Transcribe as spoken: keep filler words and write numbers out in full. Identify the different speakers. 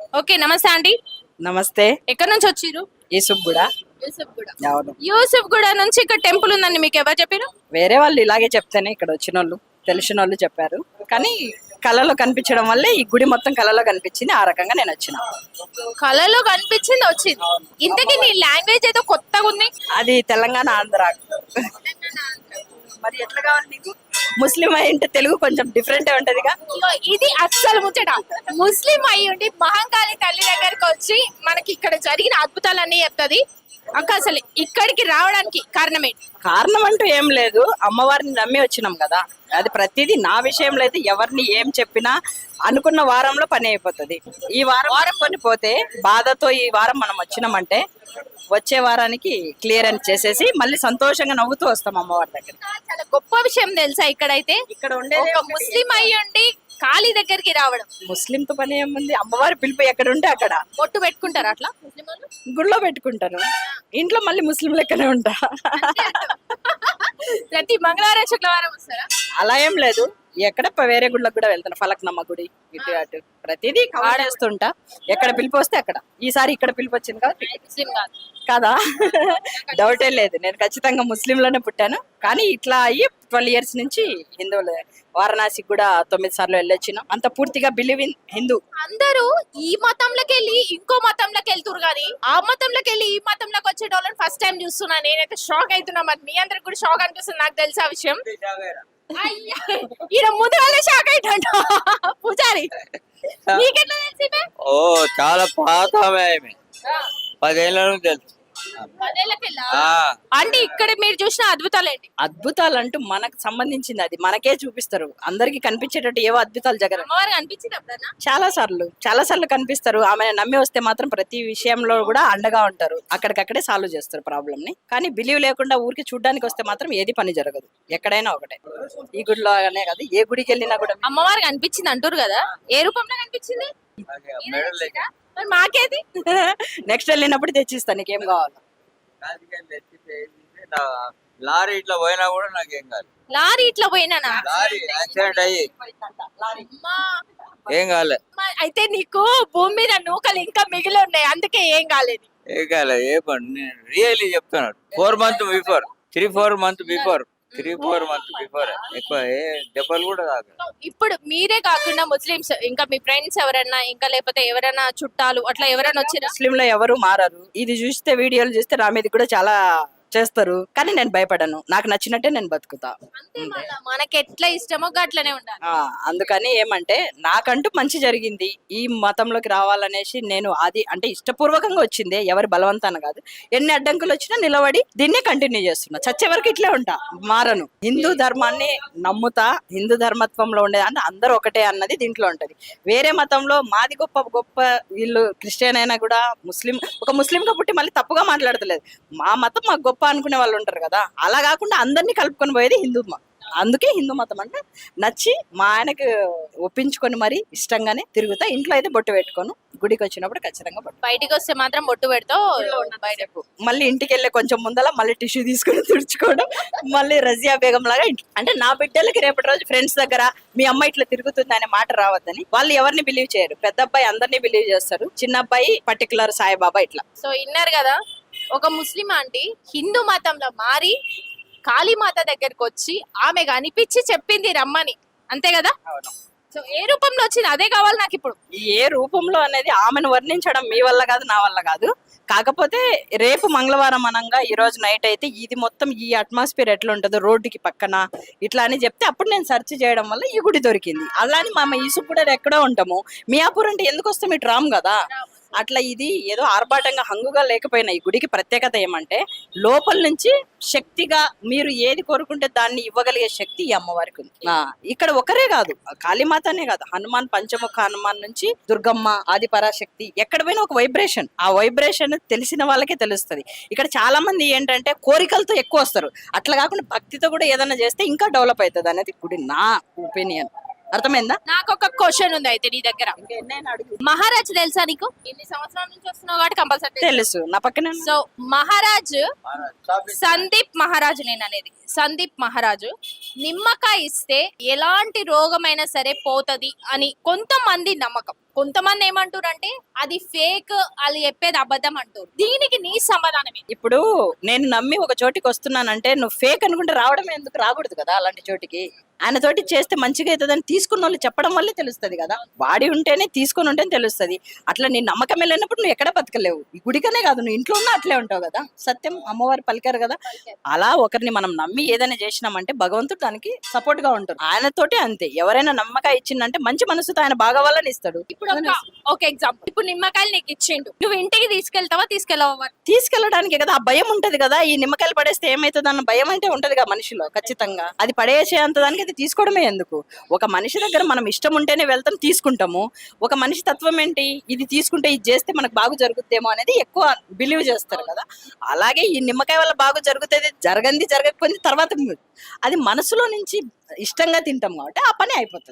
Speaker 1: Okay, నమస్తే aunty.
Speaker 2: నమస్తే.
Speaker 1: ఎక్కడి నుంచి వచ్చిర్రు?
Speaker 2: యూసుఫ్ కూడా.
Speaker 1: యూసఫ్ గూడ.
Speaker 2: అవును.
Speaker 1: యూసఫ్ గూడ నుంచి ఇక్కడ టెంపుల్ ఉందండి, మీకు ఎవరు చెప్పారు?
Speaker 2: వేరే వాళ్ళు ఇలాగే చెప్తేనే ఇక్కడ వచ్చిన వాళ్ళు తెలిసిన వాళ్ళు చెప్పారు. కానీ కళలో కనిపించడం వల్లే ఈ గుడి మొత్తం కళలో కనిపించింది. ఆ రకంగా నేను వచ్చిన.
Speaker 1: కళలో కనిపించింది వచ్చింది. ఇంతకీ నీ లాంగ్వేజ్ ఏదో కొత్తగా ఉంది.
Speaker 2: అది తెలంగాణ ఆంధ్ర. మరి ఎట్లా కావాలి నీకు? ముస్లిం అయింటే తెలుగు కొంచెం డిఫరెంట్ ఉంటదిగా.
Speaker 1: ఇగో ఇది అస్సలు ముచ్చట. ముస్లిం అయ్యి ఉండి మహంకాళి తల్లి దగ్గరకు వచ్చి మనకి ఇక్కడ జరిగిన అద్భుతాలన్నీ చెప్తుంది. అక్క అసలు ఇక్కడికి రావడానికి కారణం ఏంటి?
Speaker 2: కారణం అంటూ ఏం లేదు, అమ్మవారిని నమ్మి వచ్చినాం కదా. అది ప్రతిదీ నా విషయంలో అయితే ఎవరిని ఏం చెప్పినా అనుకున్న వారంలో పని అయిపోతుంది. ఈ వారం వారం పని పోతే బాధతో ఈ వారం మనం వచ్చినామంటే వచ్చే వారానికి క్లియర్ అని చేసేసి మళ్ళీ సంతోషంగా నవ్వుతూ వస్తాం అమ్మవారి దగ్గర.
Speaker 1: చాలా గొప్ప విషయం తెలుసా ఇక్కడైతే.
Speaker 2: ఇక్కడ ఉండే
Speaker 1: ఒక ముస్లిం అయ్యి ఉండి కాళీ దగ్గరికి రావడం.
Speaker 2: ముస్లింతో పని ఏముంది, అమ్మవారి పిలుపు ఎక్కడ ఉంటే అక్కడ.
Speaker 1: బొట్టు పెట్టుకుంటారు అట్లా ముస్లిం వాళ్ళు?
Speaker 2: గుడిలో పెట్టుకుంటాను, ఇంట్లో మళ్ళీ ముస్లిం లెక్కనే ఉంటా.
Speaker 1: ప్రతి మంగళవారం శుక్రవారం వస్తారా?
Speaker 2: అలా ఏం లేదు, ఎక్కడ ప- వేరే గుళ్ళకి కూడా వెళ్తాను. ఫలక్నమ్మ గుడి ఇటు అటు ప్రతిదీ ఆడేస్తుంటా. ఎక్కడ పిలుపు వస్తే అక్కడ. ఈసారి ఇక్కడ పిలుపు వచ్చింది కదా,
Speaker 1: ముస్లిం కాదు
Speaker 2: కదా. డౌటే లేదు, నేను ఖచ్చితంగా ముస్లింలోనే పుట్టాను. కానీ ఇట్లా అయ్యి ట్వెల్వ్ ఇయర్స్ నుంచి హిందువులు. వారణాసికి కూడా తొమ్మిది సార్లు వెళ్ళొచ్చినాం. అంత పూర్తిగా బిలీవ్ ఇన్ హిందూ.
Speaker 1: అందరూ ఈ మతంలోకి వెళ్ళి ఇంకో మతంలోకి వెళ్తురు కానీ ఆ మతంలోకి వెళ్ళి ఈ మతంలోకి వచ్చే వాళ్ళని ఫస్ట్ టైం చూస్తున్నా. నేనైతే షాక్ అవుతున్నా. మరి మీ అందరికి కూడా షాక్ అనిపిస్తుంది, నాకు తెలుసా విషయం. అయ్యా, ఈయన ముందు వాళ్ళే షాక్ అయిపోయిండు. పూజారి నీకెట్లా తెలిసి?
Speaker 3: ఓ చాలా పాత ఆమె, పదేళ్ళ నుంచి తెలుసు. ఆ,
Speaker 1: అంటే ఇక్కడ మీరు చూసిన అద్భుతాలు ఏంటి?
Speaker 2: అద్భుతాలు అంటూ మనకు సంబంధించింది అది మనకే చూపిస్తారు. అందరికి కనిపించేటట్టు ఏవో అద్భుతాలు జగన్
Speaker 1: అమ్మవారికి అనిపించింది అప్పుడన్నా?
Speaker 2: చాలా సార్లు చాలా సార్లు కనిపిస్తారు. ఆమె నమ్మి వస్తే మాత్రం ప్రతి విషయంలో కూడా అండగా ఉంటారు. అక్కడికక్కడే సాల్వ్ చేస్తారు ప్రాబ్లమ్ ని. కానీ బిలీవ్ లేకుండా ఊరికి చూడడానికి వస్తే మాత్రం ఏది పని జరగదు. ఎక్కడైనా ఒకటే, ఈ గుడిలో అనే కాదు, ఏ గుడికి వెళ్ళినా కూడా.
Speaker 1: అమ్మవారికి అనిపించింది అంటారు కదా, ఏ రూపంలో కనిపించింది?
Speaker 3: మెడల్ లెక్క.
Speaker 1: మరి మాకేది?
Speaker 2: నెక్స్ట్ వెళ్ళినప్పుడు తెచ్చిస్తాను, నీకేం కావాలి.
Speaker 3: రాజకీయాలు తెచ్చితే ఏంటంటే నా లారీ ఇట్లా పోయినా కూడా నాకేం కాదు.
Speaker 1: లారీ ఇట్లా పోయినానా?
Speaker 3: లారీ యాక్సిడెంట్ అయ్యి
Speaker 1: అమ్మా.
Speaker 3: ఏం కాలే.
Speaker 1: అమ్మా, అయితే నీకు భూమి మీద నూకలు ఇంకా మిగిలి ఉన్నాయి, అందుకే ఏం కాలేదు.
Speaker 3: ఏం కాలే. ఏ పని నేను రియల్లీ చెప్తున్నాను. Four month before, three four month before three four month before ఎక్కువ ఏ దెబ్బలు కూడా కాదు.
Speaker 1: ఇప్పుడు మీరే కాకుండా ముస్లిమ్స్ ఇంకా మీ ఫ్రెండ్స్ ఎవరన్నా, ఇంకా లేకపోతే ఎవరైనా చుట్టాలు అట్లా ఎవరైనా వచ్చిరా?
Speaker 2: ముస్లిం లో ఎవరు మారరు. ఇది చూస్తే వీడియోలు చూస్తే నా మీద కూడా చాలా చేస్తారు. కానీ నేను భయపడను, నాకు నచ్చినట్టే నేను బతుకుతా.
Speaker 1: అంతే, మళ్ళా మనకి ఎట్లా ఇష్టమో అట్లనే ఉండాలి.
Speaker 2: ఆ అందుకని ఏమంటే నాకంటూ మంచి జరిగింది. ఈ మతంలోకి రావాలనేసి నేను అది అంటే ఇష్టపూర్వకంగా వచ్చింది, ఎవరి బలవంతాన కాదు. ఎన్ని అడ్డంకులు వచ్చినా నిలబడి దీన్నే కంటిన్యూ చేస్తున్నా. చచ్చే వరకు ఇట్లే ఉంటా, మారను. హిందూ ధర్మాన్ని నమ్ముతా. హిందూ ధర్మత్వంలో ఉండేది అంటే అందరూ ఒకటే అన్నది దీంట్లో ఉంటది. వేరే మతంలో మాది గొప్ప గొప్ప, వీళ్ళు క్రిస్టియన్ అయినా కూడా ముస్లిం, ఒక ముస్లింగా పుట్టి మళ్ళీ తప్పుగా మాట్లాడతలేదు. మా మతం మాకు గొప్ప అనుకునే వాళ్ళు ఉంటారు కదా, అలా కాకుండా అందరినీ కలుపుకొని పోయేది హిందూ మతం. అందుకే హిందూ మతం అంటే నచ్చి మా ఆయనకు ఒప్పించుకొని మరి ఇష్టంగానే తిరుగుతా. ఇంట్లో అయితే బొట్టు పెట్టుకోను, గుడికి వచ్చినప్పుడు ఖచ్చితంగా బొట్టు.
Speaker 1: బయటికి వస్తే మాత్రం బొట్టు పెడతావు.
Speaker 2: బయటకు మళ్ళీ ఇంటికి వెళ్ళే కొంచెం ముందల మళ్ళీ టిష్యూ తీసుకొని తుడుచుకోవడం, మళ్ళీ రజియా బేగం లాగా ఇంటి అంటే నా బిడ్డలకి రేపటి రోజు ఫ్రెండ్స్ దగ్గర మీ అమ్మ ఇట్లా తిరుగుతుంది అనే మాట రావద్దని. వాళ్ళు ఎవరిని బిలీవ్ చేయరు. పెద్ద అబ్బాయి అందరినీ బిలీవ్ చేస్తారు, చిన్న అబ్బాయి పర్టికులర్ సాయిబాబా ఇట్లా.
Speaker 1: సో విన్నారు కదా, ఒక ముస్లిం ఆంటీ హిందూ మతంలో మారి కాళీమాత దగ్గరకు వచ్చి ఆమె అనిపించి చెప్పింది రమ్మని, అంతే కదా? సో ఏ రూపంలో వచ్చింది అదే కావాలి నాకు ఇప్పుడు.
Speaker 2: ఏ రూపంలో అనేది ఆమెను వర్ణించడం మీ వల్ల కాదు, నా వల్ల కాదు. కాకపోతే రేపు మంగళవారం అనంగా ఈ రోజు నైట్ అయితే ఇది మొత్తం ఈ అట్మాస్ఫియర్ ఎట్లా ఉంటుందో రోడ్డుకి పక్కన ఇట్లా అని చెప్తే అప్పుడు నేను సెర్చ్ చేయడం వల్ల ఈ గుడి దొరికింది. అలానే మా ఈసు కూడా ఎక్కడో ఉంటాము. మియాపూర్ అంటే ఎందుకు వస్తాం, ఇటు రాము కదా. అట్లా ఇది ఏదో ఆర్భాటంగా హంగుగా లేకపోయినా ఈ గుడికి ప్రత్యేకత ఏమంటే లోపల నుంచి శక్తిగా మీరు ఏది కోరుకుంటే దాన్ని ఇవ్వగలిగే శక్తి ఈ అమ్మవారికి ఉంది. ఆ, ఇక్కడ ఒకరే కాదు, కాళీమాతనే కాదు, హనుమాన్, పంచముఖ హనుమాన్ నుంచి దుర్గమ్మ, ఆది పరాశక్తి, ఎక్కడ పోయినా ఒక వైబ్రేషన్. ఆ వైబ్రేషన్ తెలిసిన వాళ్ళకే తెలుస్తుంది. ఇక్కడ చాలా మంది ఏంటంటే కోరికలతో ఎక్కువ వస్తారు, అట్లా కాకుండా భక్తితో కూడా ఏదైనా చేస్తే ఇంకా డెవలప్ అవుతుంది అనేది గుడి, నా ఒపీనియన్. అర్థమైందా?
Speaker 1: నాకు ఒక క్వశ్చన్ ఉంది అయితే నీ దగ్గర. మహారాజ్ తెలుసా నీకు? ఇన్ని సంవత్సరాల నుంచి వస్తున్నావు కాబట్టి కంపల్సరీ
Speaker 2: తెలుసు. నా పక్కన
Speaker 1: సో మహారాజ్ సందీప్ మహారాజు, నేను అనేది సందీప్ మహారాజు నిమ్మకాయ ఇస్తే ఎలాంటి రోగమైనా సరే పోతది అని కొంతమంది నమ్మకం. కొంతమంది ఏమంటారు అంటే అది ఫేక్, వాళ్ళు చెప్పేది అబద్ధం అంటారు. దీనికి నీ సమాధానం ఏంటి?
Speaker 2: ఇప్పుడు నేను నమ్మి ఒక చోటికి వస్తున్నానంటే నువ్వు ఫేక్ అనుకుంటే రావడం ఎందుకు, రాకూడదు కదా అలాంటి చోటికి. ఆయన తోటి చేస్తే మంచిగా అవుతుందని తీసుకున్న వాళ్ళు చెప్పడం వల్లే తెలుస్తుంది కదా. వాడి ఉంటేనే తీసుకొని ఉంటేనే తెలుస్తుంది. అట్లా నీ నమ్మకం వెళ్ళినప్పుడు నువ్వు ఎక్కడ బతకలేవు. ఈ గుడికనే కాదు, నువ్వు ఇంట్లో ఉన్నా అట్లే ఉంటావు కదా. సత్యం అమ్మవారు పలికారు కదా. అలా ఒకరిని మనం నమ్మి ఏదైనా చేసినామంటే భగవంతుడు దానికి సపోర్ట్ గా ఉంటాడు. ఆయనతోటి అంతే. ఎవరైనా నమ్మకం ఇచ్చిందంటే మంచి మనసుతో ఆయన బాగా వాళ్ళని ఇస్తాడు.
Speaker 1: ఇప్పుడు ఒక ఒక ఎగ్జాంపుల్, ఇప్పుడు నిమ్మకాయలు నీకు ఇచ్చిండు, నువ్వు ఇంటికి తీసుకెళ్తావా తీసుకెళ్ళవా?
Speaker 2: తీసుకెళ్ళడానికి కదా ఆ భయం ఉంటది కదా. ఈ నిమ్మకాయలు పడేస్తే ఏమైతుంది అన్న భయం అంటే ఉంటది కదా మనిషిలో ఖచ్చితంగా. అది పడేసే అంత దానికి అది తీసుకోవడమే ఎందుకు. ఒక మనిషి దగ్గర మనం ఇష్టం ఉంటేనే వెళ్తాం, తీసుకుంటాము. ఒక మనిషి తత్వం ఏంటి, ఇది తీసుకుంటే ఇది చేస్తే మనకు బాగు జరుగుతుందేమో అనేది ఎక్కువ బిలీవ్ చేస్తారు కదా. అలాగే ఈ నిమ్మకాయ వల్ల బాగు జరుగుతుంది, జరగంది జరగకపోయింది తర్వాత అది మనసులో నుంచి ఇష్టంగా తింటాం కాబట్టి ఆ పని అయిపోతుంది.